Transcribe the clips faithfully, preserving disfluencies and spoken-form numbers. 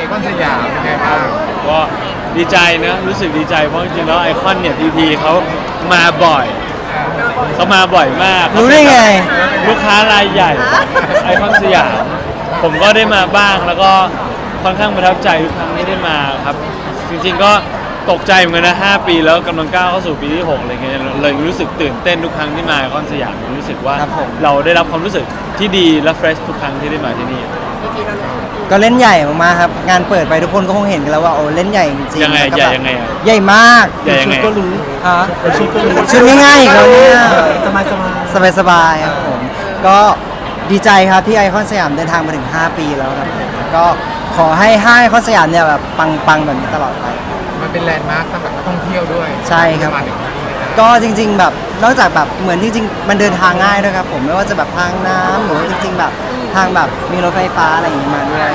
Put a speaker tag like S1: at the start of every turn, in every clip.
S1: คอนสยามเป็นไงบ้าง
S2: ก็ดีใจนะรู้สึกดีใจเพราะจริงๆแล้วไอคอนเนี่ยพีพีเขามาบ่อยเขามาบ่อยมาก
S3: รู้ได้ไง
S2: ลูกค้ารายใหญ่ไอคอนสยามผมก็ได้มาบ้างแล้วก็ค่อนข้างประทับใจทุกครั้งที่ได้มาครับจริงๆก็ตกใจเหมือนกันนะห้าปีแล้วกำลังก้าวเข้าสู่ปีที่หกอะไรเงี้ยเลยรู้สึกตื่นเต้นทุกครั้งที่มาไอคอนสยามรู้สึกว่าเราได้รับความรู้สึกที่ดีและเฟรชทุกครั้งที่ได้มาที่นี่
S3: ก็เล่นใหญ่มากๆครับงานเปิดไปทุกคนก็คงเห็นกันแล้วว่าโอ้เล่นใหญ่จริงๆ
S2: ยังไงใหญ่ยังไง
S3: ใหญ่มาก
S2: ใหญ่ยังไง
S3: ก็รู้ฮะชุดง่ายๆเขาเนี่ยสบายสบายสบายๆครับผมก็ดีใจครับที่ไอคอนสยามเดินทางมาถึงห้าปีแล้วครับก็ขอให้ห้างไอคอนสยามเนี่ยแบบปังๆแบบนี้ตลอดไป
S1: มันเป็นแลนด์มาร์คสำหรับนักท่องเที่ยวด้วย
S3: ใช่ครับก็จริงๆแบบนอกจากแบบเหมือนจริงๆมันเดินทางง่ายด้วยครับผมไม่ว่าจะแบบทางน้ำหรือจริงๆแบบทางแบบมีรถไฟฟ้าอะไรอย่างงี้มาด้วย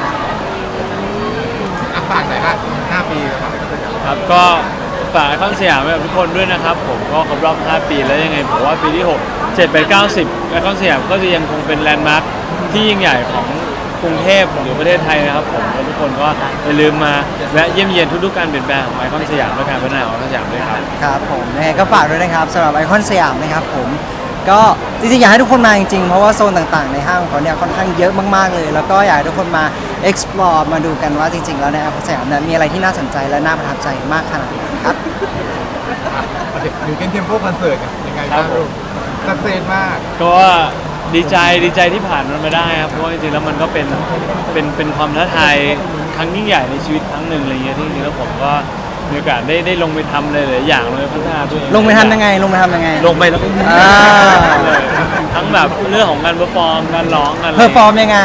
S1: ฝากหน่อยครับห้าปี
S2: ครับก็ฝากไอคอนสยามไว้กับทุกคนด้วยนะครับผมก็ครบรอบห้าปีแล้วยังไงผมว่าปีที่หก เจ็ด แปด เก้า สิบไอคอนสยามก็จะยังคงเป็นแลนด์มาร์คที่ยิ่งใหญ่ของกรุงเทพหรือประเทศไทยนะครับผมแล้วทุกคนก็อย่าลืมมาแวะเยี่ยมเยียนทุกๆการเปลี่ยนแปลงของไอคอนสยามและการพัฒนาของไอคอนสยามด้วยครับ
S3: ครับผมยังไงก็ฝากด้วยนะครับสำหรับไอคอนสยามนะครับผมก็จริงๆอยากให้ทุกคนมาจริงๆเพราะว่าโซนต่างๆในห้างของเขาเนี่ยค่อนข้างเยอะมากๆเลยแล้วก็อยากให้ทุกคนมา explore มาดูกันว่าจริงๆแล้วในไอคอนสยามเนี่ยมีอะไรที่น่าสนใจและน่าประทับใจมากขนาดไหนครับ
S1: อยู่กันเทมโพคอนเสิร์ตยังไงบ้างสักเซนมาก
S2: ก็ดีใจดีใจที่ผ่านมันมาได้ครับเพราะว่าจริงๆแล้วมันก็เป็นเป็นเป็นความท้าทายครั้งยิ่งใหญ่ในชีวิตครั้งหนึ่งอะไรเงี้ยที่จริงๆแล้วผมก็มีโอกาสได้ได้ลงไปทำเลยหลายอย่างเลยพัฒนาตัวเอง
S3: ลงไปทำยังไงลงไปทำยังไง
S2: ลงไปแล้วก็เลยทั้งแบบเรื่องของการเพอร์ฟอร์มการร้องการ
S3: เพอร์ฟอร์มยังไง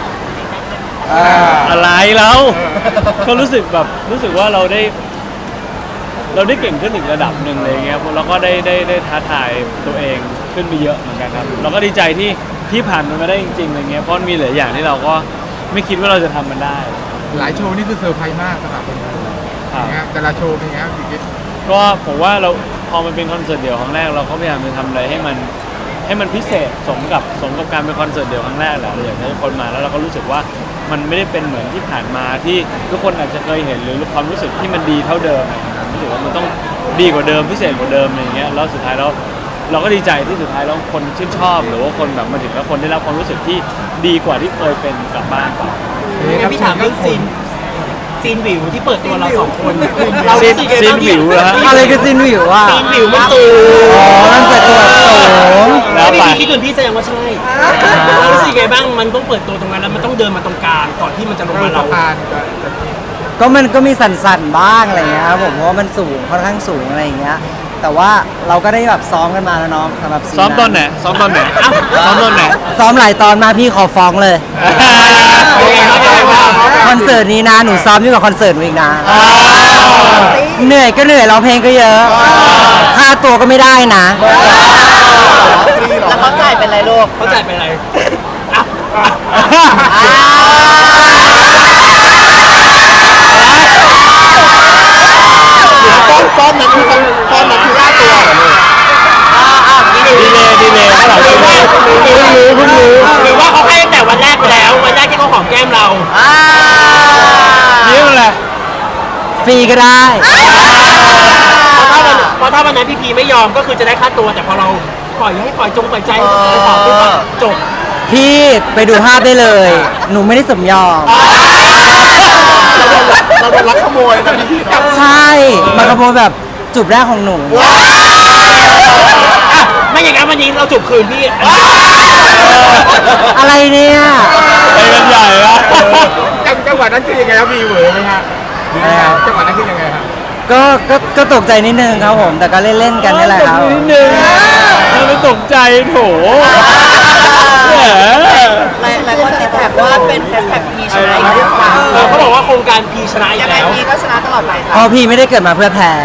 S2: อะไรแล้วก็รู้สึกแบบรู้สึกว่าเราได้เราได้เก่งขึ้นอีกระดับหนึ่งเลยเงี้ยแล้วก็ได้ได้ได้ท้าทายตัวเองขึ้นไปเยอะเหมือนกันครับเราก็ดีใจที่ที่ผ่านมันมาได้จริงๆอะไรเงี้ยเพราะมีหลายอย่างที่เราก็ไม่คิดว่าเราจะทำมันได้
S1: หลายโชว์นี่คือเซอร์ไพรส์มากสำหรับคนดูแต่ละโชว์เป็นไงครับพี่กิ๊ฟ
S2: ก็ผมว่าเราพอมันเป็นคอนเสิร์ตเดี่ยวครั้งแรกเราก็พยายามจะทำอะไรให้มันให้มันพิเศษสมกับสมกับการเป็นคอนเสิร์ตเดี่ยวครั้งแรกแหละเราอยากให้ทุกคนมาแล้วเราก็รู้สึกว่ามันไม่ได้เป็นเหมือนที่ผ่านมาที่ทุกคนอาจจะเคยเห็นหรือความรู้สึกที่มันดีเท่าเดิมรู้สึกว่ามันต้องดีกว่าเดิมพิเศษกว่าเดิมอะไรอย่างเงี้ยแล้วสุดท้ายแล้วเราก็ดีใจที่สุดท้ายแล้วคนชื่นชอบหรือว่าคนแบบมาถึงแล้วคนได้รับความรู้สึกที่ดีกว่าที่เคยเป็นกลับบ้านไป
S4: พี่ถามเรื่องซีนซีนวิวที่เปิดตัวเราสองคน
S2: เราซีนซีนวิวเหรอ
S3: อะไรคือซีนวิวอ่ะ
S4: ซีนวิวมันสูง
S3: อ๋อมันเปิดตัวสูง
S4: แล้วพี่คิดเหมือนพี่แสดงว่าใช่เรารู้สึกไงบ้างมันต้องเปิดตัวตรงนั้นแล้วมันต้องเดินมาตรงกลางก่อนที่มันจะลงมาเรา
S3: ก็มันก็มีสั่นๆบ้างอะไรเงี้ยครับผมเพราะว่ามันสูงค่อนข้างสูงอะไรอย่างเงี้ยแต่ว่าเราก็ได้แบบซ้อมกันมาแล้วน้องสำหรับ
S2: ซ้อมตอนไหนซ้อมตอนไหนซ้อมตอนไหน
S3: ซ้อมหลายตอนมาพี่ขอฟ้องเลยคอนเสิร์ตนี้นะหนูซ้อมยิ่งกว่าคอนเสิร์ตหนูอีกนะเหนื่อยก็เหนื่อยร้องเพลงก็เยอะค่าตัวก็ไม่ได้นะ
S4: แล้วเขาจ่ายเป็นไรลูกเขาจ่ายเป็นไร
S1: ก้อนนั้นคือก้อนนั้นคือค่าตัว
S2: ดีเลยดีเลยเขาหลังดีเลย
S4: เพิ่งรู้เพิ่งรู้หรือว่าเขาให้ตั้งแต่วันแรกไปแล้ววันแรกที่เขาหอมแก้มเรา
S2: นี่อะไร
S3: ฟรีก็ได้
S4: เพราะถ้าวันนั้นพี่พีไม่ยอมก็คือจะได้ค่าตัวแต่พอเราปล่อยให้ปล่อยจงปล่อยใจไปต่อปุ๊บจบ
S3: พี่ไปดูภาพได้เลยหนูไม่ได้สมยอม
S1: เราโดนลักขโมยนะพี่
S3: ใช่มาขโมยแบบจูบแรกของหนู
S4: ไม่อย่างนั้นวันนี้เราจูบคืนพี่
S3: อะไรเนี่ย
S2: ไปกันใหญ่ละ
S1: จังหวะนั้นคือยังไงครับมีเหวอไหมฮะจังหวะนั้นคือยังไงครับ
S3: ก็ก็ก็ตกใจนิดนึงครับผมแต่ก็เล่นๆกันนี่แหละครับ
S2: นิดนึงเราไม่ตกใจโถ
S5: หลายหลายคนติดแท็กว่าเป็นแฮชแท็กพีชนะอีกแล้ว
S4: เขาบอกว่าโครงการพีชนะอีกแล้ว
S5: พีก็ชนะตลอดไปค่ะ
S3: พอพีไม่ได้เกิดมาเพื่อแพ้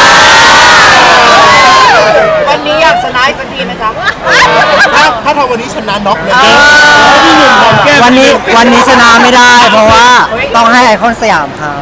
S5: วันนี้อยากชนะอีกสักทีไหมจ๊ะ
S1: ถ้าถ้าทำวันนี้ชนะน็อกเลย
S3: วันนี้วันนี้ชนะไม่ได้เพราะว่าต้องให้ไอคอนสยามครับ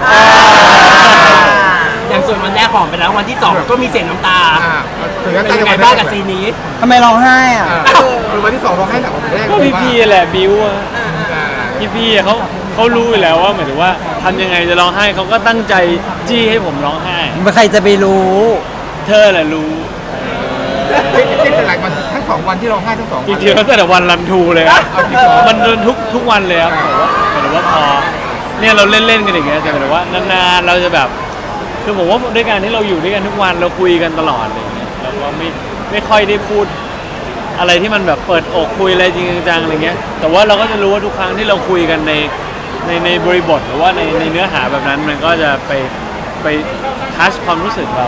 S4: อย่างส่วนวันแรกหอมไปแล้ววันที่สองก็มีเสียงน้ำตาเป็นยังไงบ้างกับซีนนี้
S3: ทำไมร้องไห้อ่ะ
S1: วันที่สองร้องไห้หนักกว่าวันแรก
S2: ก็พี่พีแหละบิวอะพี่พีเขาเเขารู้อยู่แล้วว่าหมายถึงว่าทำยังไงจะร้องไห้เขาก็ตั้งใจจี้ให้ผมร้องไห้
S3: ใครจะไปรู้
S2: เธอแหละรู้
S1: ที่เป็นหลายวันทั้งสองวันที่เราให้ทั้งสอง
S2: จ
S1: วัน
S2: ริงๆแล้วแต่วันรันทูเลยครับ
S1: เอาจริงเหรอ
S2: มันเดินทุกทุกวันเลยครับแต่ว่าแต่ว่าพอเนี่ยเราเล่นๆกันอย่างเงี้ยแต่หมายถึงว่านานๆเราจะแบบคือผมว่าด้วยการที่เราอยู่ด้วยกันทุกวันเราคุยกันตลอดอะไรอย่างเงี้ยเราก็ไม่ไม่ค่อยได้พูดอะไรที่มันแบบเปิดอกคุยอะไรจริงจังๆอะไรเงี้ยแต่ว่าเราก็จะรู้ว่าทุกครั้งที่เราคุยกันในในในบริบทหรือว่าในในเนื้อหาแบบนั้นมันก็จะไปไปทัชความรู้สึกเรา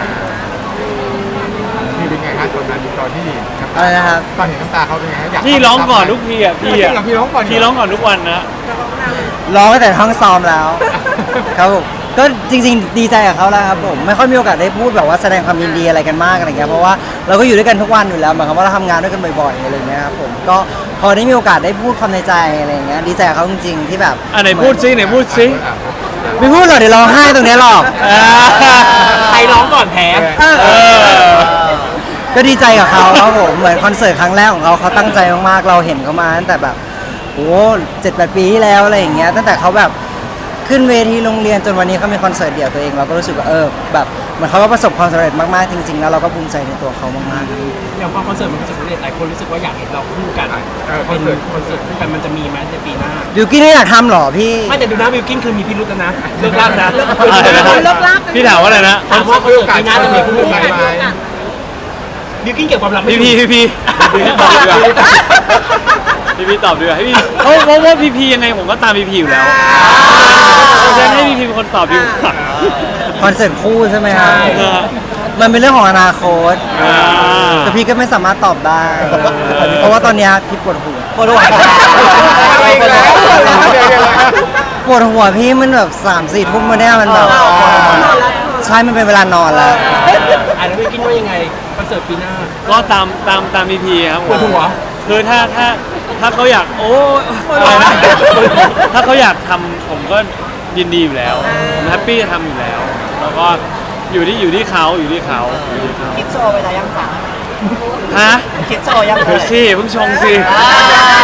S1: พี่เป็นไงฮะตอนนั้นตอนที่น้ำ
S3: อะไรนะครับ
S1: ตอนเห็นน้ำตาเขาเป็นไงฮะอยาก
S2: พี่ร้องก่อนทุกทีอ่ะพี่
S1: จริ
S2: อ่ะ
S1: งเหรอพี่ร้องก่อนเห
S2: พี่ร้องก่อนทุกวันนะ
S3: ร้องตั้งแต่ห้องซ้อมแล้ว ครับผมก็จริงๆ ดีใจกับเขาแล้วครับผมไม่ค่อยมีโอกาสได้พูดแบบว่าแสดงความยินดีอะไรกันมากอะไรเงี้ยเพราะว่าเราก็อยู่ด้วยกันทุกวันอยู่แล้วหมายความว่าเราทำงานด้วยกันบ่อยๆอะไรเงี้ยครับผมก็พอได้มีโอกาสได้พูดความในใจอะไรเงี้ยดีใจกับเขาจริงๆที่แบบ
S2: อ่ะไหนพูดซิไหนพูดซิ
S3: ไม่พูดหรอกเดี๋ยวร้องไห้ตรงเนี้ยหรอก
S2: อ่า
S4: ใครร้องก่อนแพ้
S2: เออ
S3: ก็ดีใจกับเขาครับผมเหมือนคอนเสิร์ตครั้งแรกของเขาเขาตั้งใจมากๆเราเห็นเขามาตั้งแต่แบบโอ้เจ็ดแปดปีที่แล้วอะไรอย่างเงี้ยตั้งแต่เขาแบบขึ้นเวทีโรงเรียนจนวันนี้เขามีคอนเสิร์ตเดี่ยวตัวเองเราก็รู้สึกว่าเออแบบเหมือนเขาก็ประสบความสำเร็จมากๆจริงๆแล้วเราก็ภูมิใจในตัวเขามากๆครับ
S4: อย่างพอคอนเสิร์ตมันประสบความสำเร็จหลายคนรู้สึกว่าอยากเห็นเราคู่กัน
S1: เออค
S4: เป็
S1: อน
S4: น
S1: เสิร์ต
S4: คอนเสิร์ตคู่กันมันจะมีไหมในปีหน้า
S3: บิวกิ้นไม่อยากทำหรอพี่
S4: ไม่แต่ดูนะวิลกินคือมีพิรุธแล้วนะเลิกลากนะ
S2: อะไรนะ
S5: เลิกลาก
S2: พี่ถามว่าอะไรนะ
S4: ถามว่าคอนเสิร์ตปีหน้าจะมีคู่
S1: ไหม
S4: กัน
S1: ไหม
S4: วิลกินเกี่ยวกับความลับไม่
S2: พี่
S4: ถู
S2: พี
S4: ก
S2: พี่พีพี่พีตอบดีกว่าพี่พีตอบดีกว่าให้พี่เพราะเพราะว่าพี่พียังไงผมก็ตามพี่พีอยู่แล้วฉะนั้นให้พี่พีเป็นคนตอบดีกว่า
S3: คอนเสิร์ตคู่ใช่ไหมครับ
S2: เออ
S3: มันเป็นเรื่องของอนาคต
S2: อ่า
S3: แต่พี่ก็ไม่สามารถตอบได้ เพราะว่าตอนเนี้ยพี่ปวดหัวปวดหัว
S1: อะไรอีกแล้ว
S3: ปวดหัวพี่มันแบบสามสี่ทุ่มมาเนี่ยมันแบบใช่มันเป็นเวลานอนแล้ว
S4: อ่ะแล้ววิลกินว่ายังไงคอนเสิร์ตปีหน้า
S2: ก็ตามตามตามพี่พีครับผม
S4: ปวดหัว
S2: คือถ้าถ้าถ้าเขาอยากโอ้อะไรนะถ้าเขาอยากทำผมก็ยินดีอยู่แล้วผมแฮปปี้จะทำอยู่แล้ว แล้วก็อยู่ที่อยู่ที่เขาอยู่ที่เขาอยู่ที่เขา
S5: คิดโชว์ไปแล้วยังคะ
S2: ฮะ
S5: คิดโชว์ยังเล
S2: เดี๋ยวย สิเพิ่งชงสิ
S5: อ่าร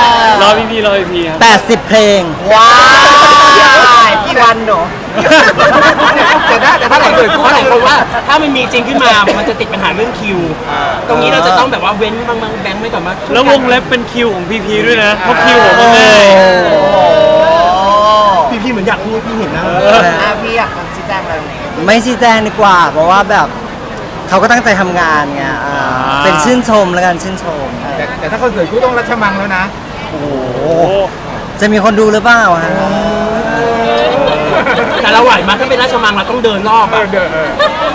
S2: อพี่พีรอพี่พีครับ
S3: แปดสิบเพลง
S5: ว้าวกี่วันหนู
S1: แต่ถ้าแต่ถ้าคอนเสิร์ต
S4: เพ
S1: คู่
S4: ราะห
S1: ไหน
S4: ลายคนว่าถ้ามันมีจริงขึ้นมา มันจะติดปัญหาเรื่องคิว ตรงนี้เราจะต้องแบบว่าเว้นบางบางแบงค์ไว้ก่อนมา
S2: แล้ววงเล็บเป็นคิวของพีพีด้วยนะเพราะคิวผมมันง่าย
S4: พี่พี่เหมือนอยากพูดพี่เห็นนะ
S5: อ่ะพี่อยากจะชี้แจงอะไรตรงนี้
S3: ไม่ชี้แจงดีกว่า เพราะว่าแบบเขาก็ตั้งใจทำงานไงอ่าเป็นชื่นชมแล้วกันชื่นชม
S1: แต่แต่ถ้าคอนเสิร์ตคู่ต้องรัชมังแล้วนะ
S3: โอ้โห
S2: โอ้
S3: จะมีคนดูหรือเปล่าฮะ
S4: แต่เราไหวมากถ้าเป็นราชมังเราต้องเดินรอบ
S1: เอ
S4: อะ
S1: อเดินเออ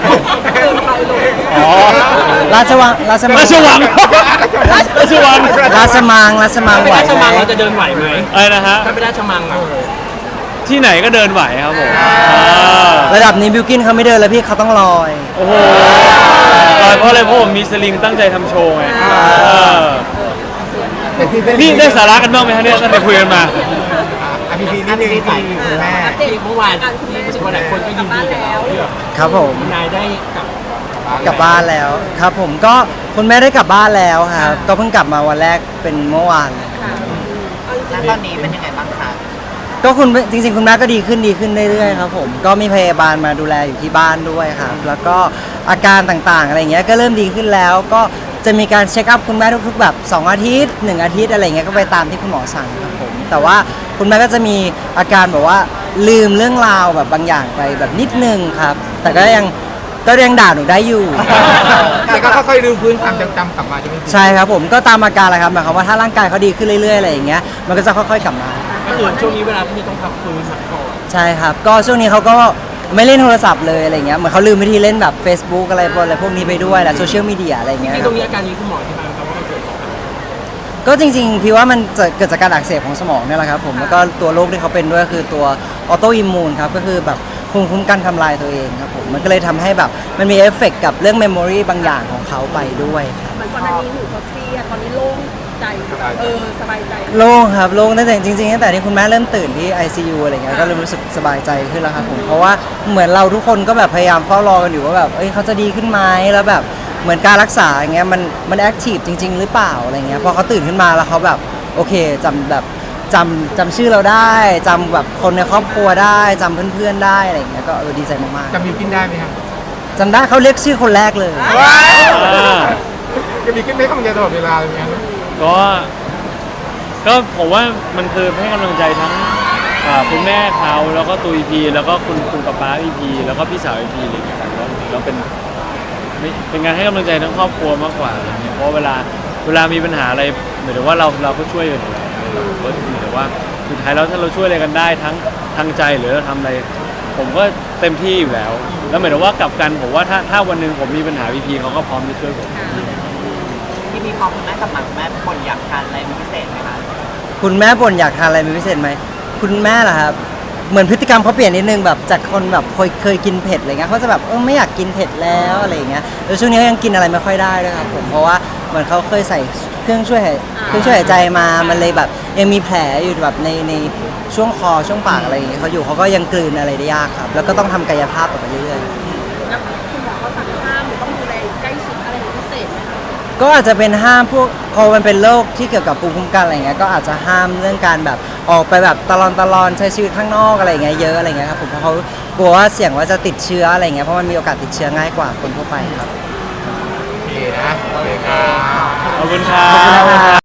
S2: อ๋อ
S3: ราชวังราชมัง
S2: ราชวังราชวัง
S3: ราชมังราชมัง
S4: ถ้าเป็น
S3: ไหว
S4: ราช
S3: ไหม
S4: มังเราจะเดินไหวไหม
S2: อะไรนะฮะ
S4: ถ้าเป็นราชมังอะ
S2: ที่ไหนก็เดินไหวครับผมอ่า
S3: ระดับนี้บิวกินเขาไม่เดินแล้วพี่เขาต้องลอย
S2: โอ้โหลอยเพราะอะไรเพราะผมมีสลิงตั้งใจทำโชว์ไงเออ
S1: แต่ที่
S2: นี่ได้สาระกันบ้างไหมฮะเนี่ยตั้งแต่คุยกันมา
S1: อ่ะพี่พีนิดนึงที่คุณแม่
S4: ที่เมื่อวานที่รู้สึกว่าหลายคนก็ยินดีกับเราที่แบบ
S3: ครับผม
S4: นายได้กลับ
S3: กลับบ้านแล้วครับผมก็คุณแม่ได้กลับบ้านแล้วครับก็เพิ่งกลับมาวันแรกเป็นเมื่อวาน
S5: แล้วตอนนี้เป็นยังไงบ้างคะ
S3: ก็คุณจริงๆ คุณแม่ก็ดีขึ้นดีขึ้นเรื่อยๆครับผมก็มีพยาบาลมาดูแลอยู่ที่บ้านด้วยครับแล้วก็อาการต่างๆอะไรเงี้ยก็เริ่มดีขึ้นแล้ว ก็จะมีการเช็คอัพคุณแม่ทุกๆแบบสองอาทิตย์หนึ่งอาทิตย์อะไรเงี้ยก็ไปตามที่คุณหมอสั่งครับผมแต่ว่าคุณแม่ก็จะมีอาการแบบว่าลืมเรื่องราวแบบบางอย่างไปแบบนิดนึงครับ แต่ก็ยังก็ยังด่าหนูได้อยู่
S1: แต่ก็ค่อยๆรื้อฟื้นความจำจำกลับมาใช่ไหมพี่
S3: ใช่ครับผมก็ตามอาการแหละครับหมายความว่าถ้าร่างกายเขาดีขึ้นเรื่อยๆอะไรอย่างเงี้ยมันก็จะค่อยๆกลับมา
S4: ก็คือช่วงนี้เวลาที่ต้องพักฟื้นพักก่อน
S3: ใช่ครับ ก็ช่วงนี้เขาก็ไม่เล่นโทรศัพท์เลยอะไรเงี้ยเหมือนเขาลืมวิธีเล่นแบบ Facebook อะไรพวกอะไรพวกนี้ไปด้วยแหละโซเชียลมีเดียอะไร
S4: จ
S3: เงี้ย
S4: ริงๆตรงนี้อาการนี้คุณหมอที่บายครับว่ามันเกิดจากอะไร
S3: ก็จริงๆพี่ว่ามันจะเกิดจากการอักเสบของสมองเนี่ยแหละครับผมแล้วก็ตัวโรคที่เขาเป็นด้วยคือตัวออโตอิมมูนครับก็คือแบบภูมิคุ้มกันทำลายตัวเองครับผมมันก็เลยทำให้แบบมันมีเอฟเฟกต์กับเรื่องเมมโมรีบางอย่างของเขาไปด้วยครับ
S6: เหมือนก่อนหน้านี้หนูก็เครียดตอนนี้โล่งใจเออสบายใจ
S3: โล่งครับโล่งตั้งแต่จริงๆตั้งแต่ที่คุณแม่เริ่มตื่นที่ ไอ ซี ยู อะไรเงี้ยก็เริ่มรู้สึกสบายใจขึ้นแล้วครับผมเพราะว่าเหมือนเราทุกคนก็แบบพยายามเฝ้ารอกันอยู่ว่าแบบเอ้ยเขาจะดีขึ้นไหมแล้วแบบเหมือนการรักษาอย่างเงี้ยมันมันแอคทีฟจริง ๆ หรือเปล่าอะไรเงี้ยพอเขาตื่นขึ้นมาแล้วเขาแบบโอเคจำแบบจำจำชื่อเราได้จำแบบคนในครอบครัวได้จำเพื่อนๆได้อะไรอย่างเงี้ยก็เออดีใจมาก
S1: จะมีกินได้ไหมครับ
S3: ๆจำได้เขาเรียกชื่อคนแรกเลย
S2: อ่า
S1: จะมีกินไหมกำลังใจตลอดเวลาเลยไหม
S2: ก็ก็ผมว่ามันคือให้กำลังใจทั้งอ่าคุณแม่เขาแล้วก็ตูอีพีแล้วก็คุณคุณป๊าป๊าอีพีแล้วก็พี่สาวอีพีอะไรอย่างเงี้ยครับแล้วแล้วเป็นไม่เป็นการให้กำลังใจทั้งครอบครัวมากกว่าอะไรเงี้ยเพราะเวลาเวลามีปัญหาอะไรเหมือนว่าเราเราก็ช่วยกันอยู่แล้วก็เหมือนว่าสุดท้ายแล้วถ้าเราช่วยอะไรกันได้ทั้งทางใจหรือเราทำอะไร ผมก็เต็มที่อยู่แล้ว แล้วเหมือนว่ากลับกันผมว่าถ้าถ้าวันหนึ่งผมมีปัญหาพีพีเขาก็พร้อมที่ช่วยผม
S5: ที่มีพอคุณแม่กับหมักแม่คนอยากทานอะไรเป็นพิเศษไหมคะ
S3: คุณแม่บ่นอยากทานอะไรเป็นพิเศษไหมคุณแม่เหรอครับเหมือนพฤติกรรมเขาเปลี่ยนนิดนึงแบบจากคนแบบเคยเคยกินเผ็ดอะไรเงี้ยเขาจะแบบเออไม่อยากกินเผ็ดแล้วอะไรอย่างเงี้ยแล้วช่วงนี้เขายังกินอะไรไม่ค่อยได้ด้วยครับผมเพราะว่าเหมือนเขาเคยใส่เครื่องช่วยหายเครื่องช่วยหายใจมามันเลยแบบยังมีแผลอยู่แบบในในช่วงคอช่วงปากอะไรอย่างเงี้ยเขาอยู่เขาก็ยังกลืนอะไรได้ยากครับแล้วก็ต้องทำกายภาพต่อไปเรื่อยๆ
S6: แล้วคุณหมอเขาสั่งห้ามหรือต้องดูแลใกล้ชิดอะไรเป็นพิเศษไหมคะ
S3: ก็อาจจะเป็นห้ามพวกพอมันเป็นโรคที่เกี่ยวกับภูมิคุ้มกันอะไรเงี้ยก็อาจจะห้ามเรื่องการแบบออกไปแบบตลอนตลอนใช้ชีวิตข้างนอกอะไรเงี้ยเยอะอะไรเงี้ยครับผมเพราะเขากลัวว่าเสี่ยงว่าจะติดเชื้ออะไรเงี้ยเพราะมันมีโอกาสติดเชื้อง่ายกว่าคนทั่วไปครับ
S1: โอเคนะโอเคครับ
S2: ขอบคุณครับ